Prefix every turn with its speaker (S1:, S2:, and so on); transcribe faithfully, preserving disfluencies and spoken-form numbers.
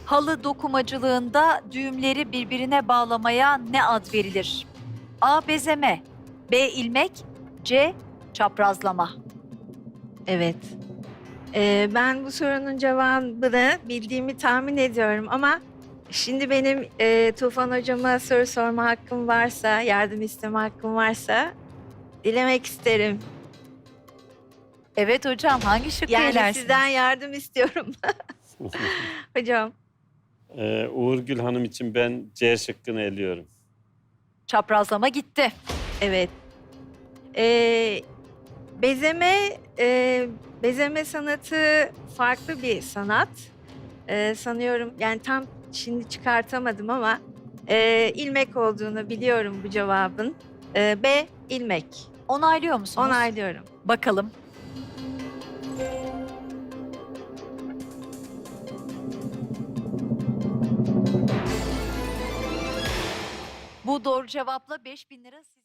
S1: Halı dokumacılığında düğümleri birbirine bağlamaya ne ad verilir? A. Bezeme, B. ilmek, C. Çaprazlama.
S2: Evet. Ee, ben bu sorunun cevabını bildiğimi tahmin ediyorum ama şimdi benim e, Tufan hocama soru sorma hakkım varsa, yardım isteme hakkım varsa dilemek isterim.
S1: Evet hocam, hangi şıkkı
S2: Yani
S1: elersiniz?
S2: sizden yardım istiyorum. Hocam.
S3: Ee, Uğurgül Hanım için ben C şıkkını eliyorum.
S1: Çaprazlama gitti.
S2: Evet. Ee, bezeme e, bezeme sanatı farklı bir sanat. Ee, sanıyorum yani tam şimdi çıkartamadım ama e, ilmek olduğunu biliyorum bu cevabın. Ee, B ilmek.
S1: Onaylıyor musunuz?
S2: Onaylıyorum.
S1: Bakalım. Bu doğru cevapla beş bin lira.